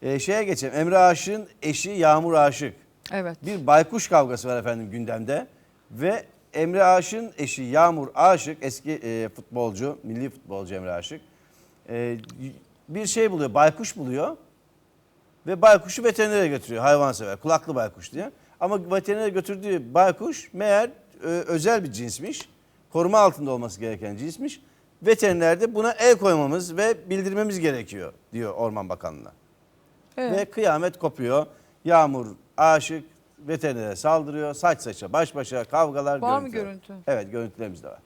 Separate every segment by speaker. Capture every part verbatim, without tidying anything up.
Speaker 1: Ee, şeye geçelim. Emre Aşık'ın eşi Yağmur Aşık.
Speaker 2: Evet.
Speaker 1: Bir baykuş kavgası var efendim gündemde. Ve Emre Aşık'ın eşi Yağmur Aşık, eski e, futbolcu, milli futbolcu Emre Aşık. E, bir şey buluyor, baykuş buluyor. Ve baykuşu veterinere götürüyor, hayvansever, kulaklı baykuş diye. Ama veterinere götürdüğü baykuş meğer e, özel bir cinsmiş. Koruma altında olması gereken cinsmiş. Veteriner de buna el koymamız ve bildirmemiz gerekiyor diyor Orman Bakanlığı'na.
Speaker 2: Evet.
Speaker 1: Ve kıyamet kopuyor. Yağmur Aşık veterinere saldırıyor. Saç saça, baş başa kavgalar.
Speaker 2: Var mı
Speaker 1: görüntüler.
Speaker 2: görüntü?
Speaker 1: Evet, görüntülerimiz de var.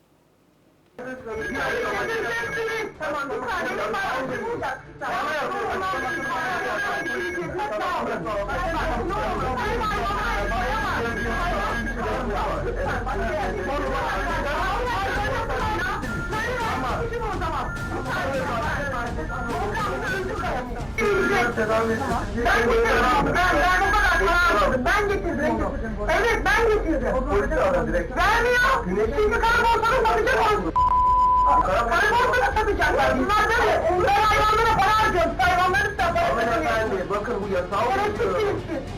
Speaker 3: Ben getirdim. Evet ben getirdim. Vermiyor. Şimdi karakolsana satacak olsun. Karakolsana satacaklar. Bunlar böyle. Onlar hayvanlara para harcıyor. Hayvanları satıyor.
Speaker 4: Hanımefendi bakın bu yasağı oluyor.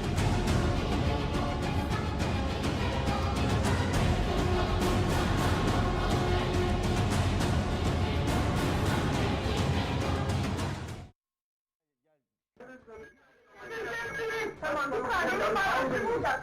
Speaker 3: Tamam, bir tane para bulacak.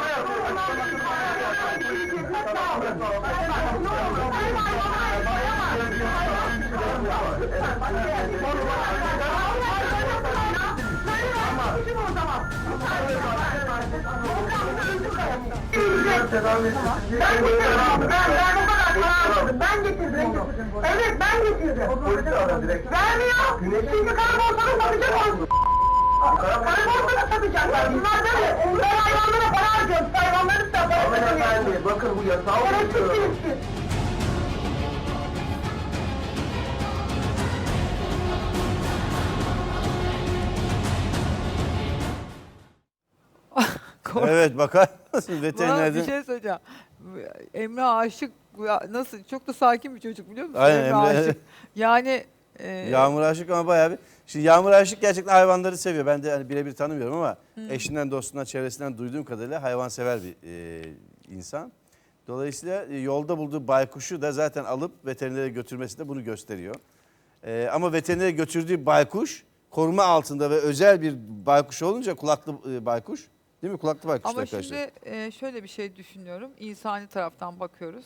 Speaker 3: Ben getirdim. Evet ben getirdim. Vermiyor. Şimdi karakolsana satacak olsun. Karakolsana satacaklar. Bunlar böyle. Onlar hayvanlara para harcıyor. Hayvanları satıyor.
Speaker 4: Hanımefendi bakın bu yasağı oluyor.
Speaker 1: Evet, bakar mısın
Speaker 2: Bana bir
Speaker 1: veterinerden?
Speaker 2: şey söyleyeceğim. Emre Aşık ya nasıl çok da sakin bir çocuk biliyor musun?
Speaker 1: Aynen,
Speaker 2: Emre
Speaker 1: Emre-
Speaker 2: Aşık. Yani e,
Speaker 1: Yağmur Aşık ama bayağı bir... Şimdi Yağmur Aşık gerçekten hayvanları seviyor. Ben de hani birebir tanımıyorum ama eşinden, dostundan, çevresinden duyduğum kadarıyla hayvansever bir e, insan. Dolayısıyla e, yolda bulduğu baykuşu da zaten alıp veterinere götürmesi de bunu gösteriyor. E, ama veterinere götürdüğü baykuş koruma altında ve özel bir baykuş olunca kulaklı e, baykuş. Değil mi? Kulaklı baykuş
Speaker 2: ama
Speaker 1: arkadaşlar.
Speaker 2: şimdi e, şöyle bir şey düşünüyorum. İnsani taraftan bakıyoruz.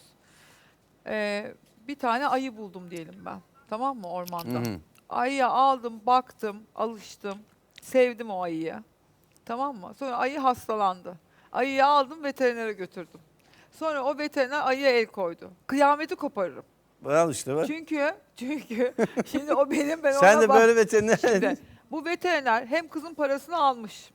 Speaker 2: E, bir tane ayı buldum diyelim ben. Tamam mı ormanda?
Speaker 1: Hı hı.
Speaker 2: Ayıya aldım, baktım, alıştım. Sevdim o ayıyı. Tamam mı? Sonra ayı hastalandı. Ayıyı aldım veterinere götürdüm. Sonra o veteriner ayıya el koydu. Kıyameti koparırım.
Speaker 1: Al işte bak.
Speaker 2: Çünkü çünkü şimdi o benim ben
Speaker 1: Sen
Speaker 2: ona
Speaker 1: de
Speaker 2: bak-
Speaker 1: böyle veteriner...
Speaker 2: Şimdi, bu veteriner hem kızın parasını almış.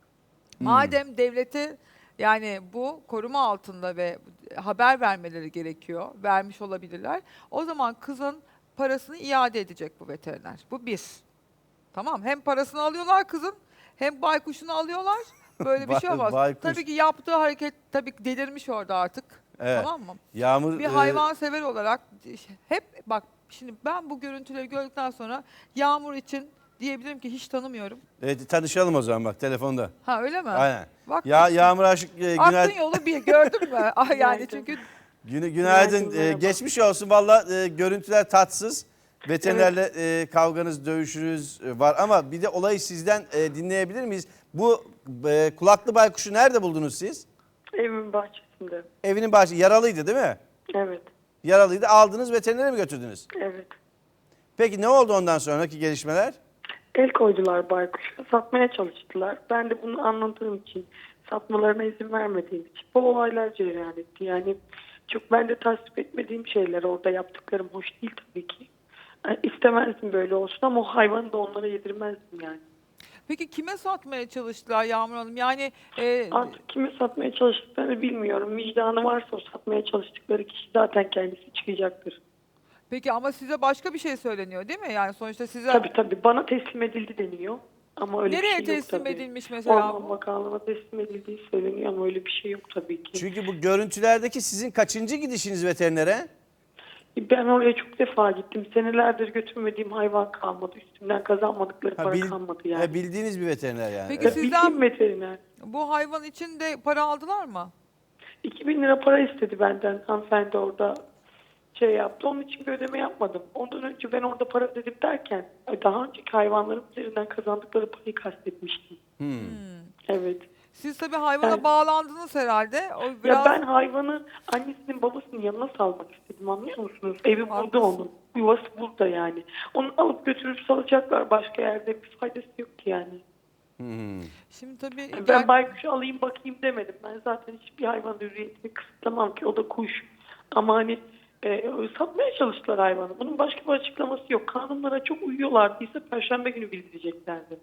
Speaker 2: Madem devleti yani bu koruma altında ve haber vermeleri gerekiyor. Vermiş olabilirler. O zaman kızın parasını iade edecek bu veteriner. Bu bir. Tamam. Hem parasını alıyorlar kızın hem baykuşunu alıyorlar. Böyle bir şey
Speaker 1: Bay-
Speaker 2: olmaz.
Speaker 1: baykuş.
Speaker 2: Tabii ki yaptığı hareket tabii ki delirmiş orada artık.
Speaker 1: Evet.
Speaker 2: Tamam mı?
Speaker 1: Yağmur...
Speaker 2: Bir
Speaker 1: e,
Speaker 2: hayvansever olarak hep bak şimdi ben bu görüntüleri gördükten sonra Yağmur için diyebilirim ki hiç tanımıyorum.
Speaker 1: Evet, tanışalım o zaman bak telefonda.
Speaker 2: Ha öyle mi?
Speaker 1: Aynen.
Speaker 2: Bak
Speaker 1: Ya Yağmur Aşık e,
Speaker 2: aklın
Speaker 1: günay,
Speaker 2: yolu bir gördün mü? Ah, yani çünkü
Speaker 1: günü, günaydın.
Speaker 4: Günaydın,
Speaker 1: E,
Speaker 4: merhaba.
Speaker 1: geçmiş olsun valla e, görüntüler tatsız. Veterinerle e, kavganız, dövüşünüz e, var ama bir de olayı sizden e, dinleyebilir miyiz? Bu e, kulaklı baykuşu nerede buldunuz siz?
Speaker 4: Evimin bahçesinde.
Speaker 1: Evinin bahçesi. Yaralıydı değil mi?
Speaker 4: Evet.
Speaker 1: Yaralıydı. Aldınız veterinere mi götürdünüz?
Speaker 4: Evet.
Speaker 1: Peki ne oldu ondan sonraki gelişmeler?
Speaker 4: El koydular baykuşa. Satmaya çalıştılar. Ben de bunu anladığım için, satmalarına izin vermediğim için bu olaylar cereyan etti. Yani çok ben de tasvip etmediğim şeyler orada yaptıklarım hoş değil tabii ki. Yani istemezdim böyle olsun ama o hayvanı da onlara yedirmezdim yani.
Speaker 2: peki kime satmaya çalıştılar Yağmur Hanım? Yani e,
Speaker 4: Artık kime satmaya çalıştıklarını bilmiyorum. Vicdanı varsa o satmaya çalıştıkları kişi zaten kendisi çıkacaktır.
Speaker 2: peki ama size başka bir şey söyleniyor değil mi? Yani sonuçta size
Speaker 4: Tabii tabii bana teslim edildi deniyor. Ama öyle
Speaker 2: nereye
Speaker 4: bir şey yok
Speaker 2: teslim
Speaker 4: tabii.
Speaker 2: edilmiş mesela
Speaker 4: Orman
Speaker 2: bu?
Speaker 4: Bakanlığı'na teslim edildiği söyleniyor ama öyle bir şey yok tabii ki.
Speaker 1: Çünkü bu görüntülerdeki sizin kaçıncı gidişiniz veterinere?
Speaker 4: Ben oraya çok defa gittim. Senelerdir götürmediğim hayvan kalmadı. Üstümden kazanmadıkları
Speaker 1: Ha,
Speaker 4: para
Speaker 1: bil-
Speaker 4: kalmadı yani.
Speaker 1: ha, bildiğiniz bir veteriner yani.
Speaker 2: Peki
Speaker 1: Evet.
Speaker 2: siz-
Speaker 4: Bildiğim
Speaker 2: Sizden-
Speaker 4: veteriner.
Speaker 2: Bu hayvan için de para aldılar mı?
Speaker 4: iki bin lira para istedi benden hanımefendi orada şey yaptı. Onun için bir ödeme yapmadım. Ondan önce ben orada para ödedim derken daha önceki hayvanların üzerinden kazandıkları parayı kastetmiştim.
Speaker 1: Hmm.
Speaker 4: Evet.
Speaker 2: Siz tabii hayvana
Speaker 4: Evet.
Speaker 2: bağlandınız herhalde. O biraz...
Speaker 4: Ya ben hayvanı annesinin babasının yanına salmak istedim, anlıyor musunuz? Evi burada
Speaker 2: Haklısın.
Speaker 4: onun. Yuvası burada yani. Onu alıp götürüp salacaklar, başka yerde bir faydası yok ki yani.
Speaker 1: Hmm.
Speaker 2: Şimdi tabii
Speaker 4: Ben
Speaker 2: gel-
Speaker 4: baykuşu alayım bakayım demedim. Ben zaten hiçbir hayvan hürriyetini kısıtlamam ki, o da kuş. Ama hani e, satmaya çalıştılar hayvanı. Bunun başka bir açıklaması yok. Kanunlara çok uyuyorlardıysa Perşembe günü bildireceklerdi.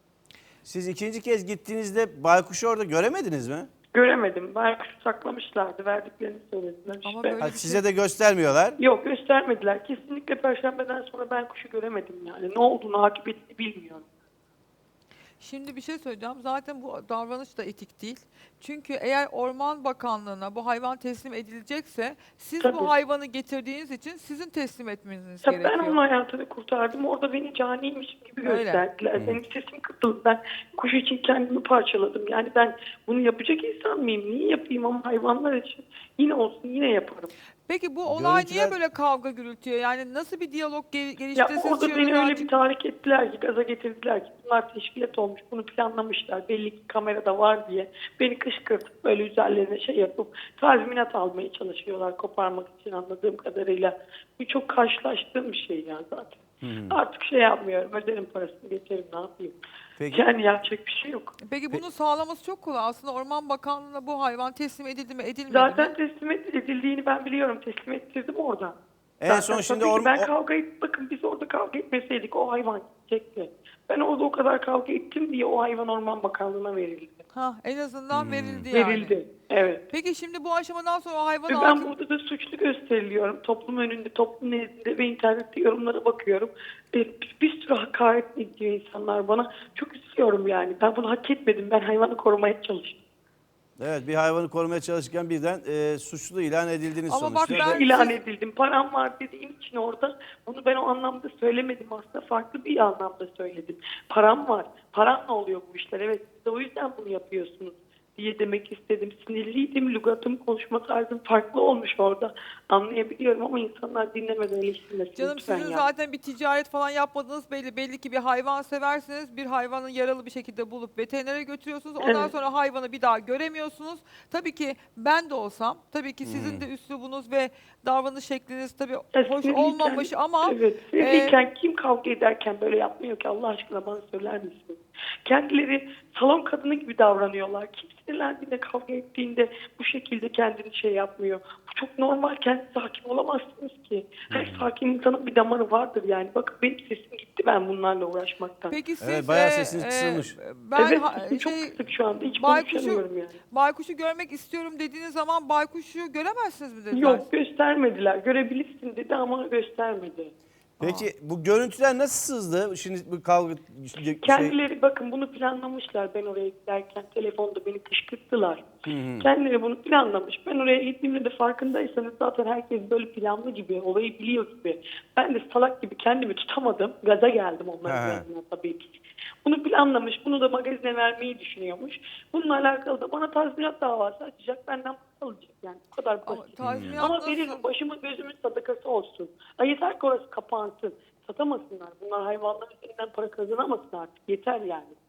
Speaker 1: Siz ikinci kez gittiğinizde baykuşu orada göremediniz mi?
Speaker 4: Göremedim. Baykuşu saklamışlardı. Verdiklerini söylediler.
Speaker 2: Ama
Speaker 4: işte.
Speaker 2: böyle-
Speaker 1: Ha,
Speaker 2: bir
Speaker 1: size
Speaker 2: şey-
Speaker 1: de göstermiyorlar.
Speaker 4: Yok, göstermediler. Kesinlikle Perşembeden sonra ben kuşu göremedim yani. Ne olduğunu, akıbetini bilmiyorum.
Speaker 2: Şimdi bir şey söyleyeceğim. Zaten bu davranış da etik değil. Çünkü eğer Orman Bakanlığı'na bu hayvan teslim edilecekse siz
Speaker 4: Tabii.
Speaker 2: bu hayvanı getirdiğiniz için sizin teslim etmeniz
Speaker 4: Ya
Speaker 2: gerekiyor.
Speaker 4: ben onun hayatını kurtardım. Orada beni caniymiş gibi
Speaker 2: Öyle.
Speaker 4: gösterdiler. Benim sesim kısıldı. Ben kuş için kendimi parçaladım. Yani ben bunu yapacak insan mıyım? Niye yapayım, ama hayvanlar için yine olsun yine yaparım.
Speaker 2: Peki bu olay niye
Speaker 1: Görüntüler-
Speaker 2: böyle kavga gürültüyor? Yani nasıl bir diyalog ge-
Speaker 4: Ya
Speaker 2: gelişti? Siz
Speaker 4: orada
Speaker 2: şu
Speaker 4: beni
Speaker 2: yönden-
Speaker 4: öyle bir tahrik ettiler ki, gaza getirdiler ki bunlar teşkilat olmuş, bunu planlamışlar. Belli ki kamerada var diye beni kışkırtıp böyle üzerlerine şey yapıp tazminat almaya çalışıyorlar koparmak için, anladığım kadarıyla. Bu çok karşılaştığım bir şey ya zaten. Artık şey yapmıyorum, öderim parasını, geçerim, ne yapayım.
Speaker 1: Peki.
Speaker 4: Yani yapacak bir şey yok.
Speaker 2: Peki bunu sağlaması çok kolay. Aslında Orman Bakanlığı'na bu hayvan teslim edildi mi, edilmedi
Speaker 4: Zaten
Speaker 2: mi?
Speaker 4: teslim edildiğini ben biliyorum. Teslim ettirdim orada.
Speaker 1: En
Speaker 4: Zaten
Speaker 1: son şimdi
Speaker 4: tabii ki
Speaker 1: orm-
Speaker 4: ben
Speaker 1: o-
Speaker 4: kavga et, bakın biz orada kavga etmeseydik o hayvan gidecekti. Ben orada o kadar kavga ettim diye o hayvan Orman Bakanlığı'na verildi.
Speaker 2: Ha, en azından
Speaker 1: Hmm.
Speaker 2: verildi yani.
Speaker 4: Verildi. Evet.
Speaker 2: Peki şimdi bu aşamadan sonra o hayvan
Speaker 4: Ve ben
Speaker 2: hakim...
Speaker 4: burada da suçlu gösteriliyorum. Toplum önünde, toplum nezdinde ve internette yorumlara bakıyorum. E, Bir, bir sürü hakaret ediyor insanlar bana. Çok üzülüyorum yani. Ben bunu hak etmedim. Ben hayvanı korumaya çalıştım.
Speaker 1: Evet, bir hayvanı korumaya çalışırken birden e, suçlu ilan edildiniz
Speaker 2: Ama bak
Speaker 1: sonuçta.
Speaker 2: ben-
Speaker 1: Ve-
Speaker 4: İlan
Speaker 2: siz-
Speaker 4: edildim. Param var dediğim için orada bunu ben o anlamda söylemedim. Aslında farklı bir anlamda söyledim. Param var. Paranla oluyor bu işler. Evet, siz de o yüzden bunu yapıyorsunuz diye demek istedim. Sinirliydim. Lügatım, konuşma tarzım farklı olmuş orada. Anlayabiliyorum ama insanlar dinlemeden eleştirmesin.
Speaker 2: Canım
Speaker 4: lütfen
Speaker 2: sizin
Speaker 4: ya.
Speaker 2: zaten bir ticaret falan yapmadığınız belli. Belli ki bir hayvan seversiniz. Bir hayvanı yaralı bir şekilde bulup veterinere götürüyorsunuz. Ondan
Speaker 4: Evet.
Speaker 2: sonra hayvanı bir daha göremiyorsunuz. Tabii ki ben de olsam, tabii ki sizin
Speaker 1: Hmm.
Speaker 2: de üslubunuz ve davranış şekliniz tabii
Speaker 4: Ya
Speaker 2: hoş
Speaker 4: sinirliyken-
Speaker 2: olmamış ama
Speaker 4: Evet. Sinirliyken kim kavga ederken böyle yapmıyor ki, Allah aşkına bana söyler misin? Kendileri salon kadını gibi davranıyorlar. Kim sinirlendiğinde, kavga ettiğinde bu şekilde kendini şey yapmıyor. Bu çok normal. Kendinize hakim olamazsınız ki. Her sakin insanın bir damarı vardır yani. Bakın benim sesim gitti ben bunlarla uğraşmaktan.
Speaker 2: peki siz
Speaker 1: Evet, bayağı
Speaker 2: e,
Speaker 1: sesiniz
Speaker 2: e,
Speaker 1: kısılmış.
Speaker 2: ben
Speaker 4: evet,
Speaker 2: ha-
Speaker 4: sesim çok
Speaker 2: şey,
Speaker 4: kısık şu anda. Hiç
Speaker 2: baykuşu,
Speaker 4: konuşamıyorum yani.
Speaker 2: baykuşu görmek istiyorum dediğiniz zaman baykuşu göremezsiniz mi dediler?
Speaker 4: Yok, göstermediler. Görebilirsin dedi ama göstermedi.
Speaker 1: Peki bu görüntüler nasıl sızdı? Şimdi bu kavga şey,
Speaker 4: Kendileri bakın bunu planlamışlar. Ben oraya giderken telefonda beni kışkırttılar. Kendileri bunu planlamış. Ben oraya gittiğimde de farkındaysanız zaten herkes böyle planlı gibi, olayı biliyor gibi. Ben de salak gibi kendimi tutamadım. Gaza geldim onların
Speaker 1: He.
Speaker 4: yanına tabii ki. Bunu planlamış. Bunu da magazine vermeyi düşünüyormuş. Bununla alakalı da bana tazminat davası açacak. Benden para alacak yani. Bu kadar
Speaker 2: Ama
Speaker 4: basit.
Speaker 2: tazminat
Speaker 4: Ama
Speaker 2: nasıl-
Speaker 4: veririm, başımın gözümün sadakası olsun. Ay yeter ki orası kapansın. Satamasınlar. Bunlar hayvanların üzerinden para kazanamasın artık. Yeter yani.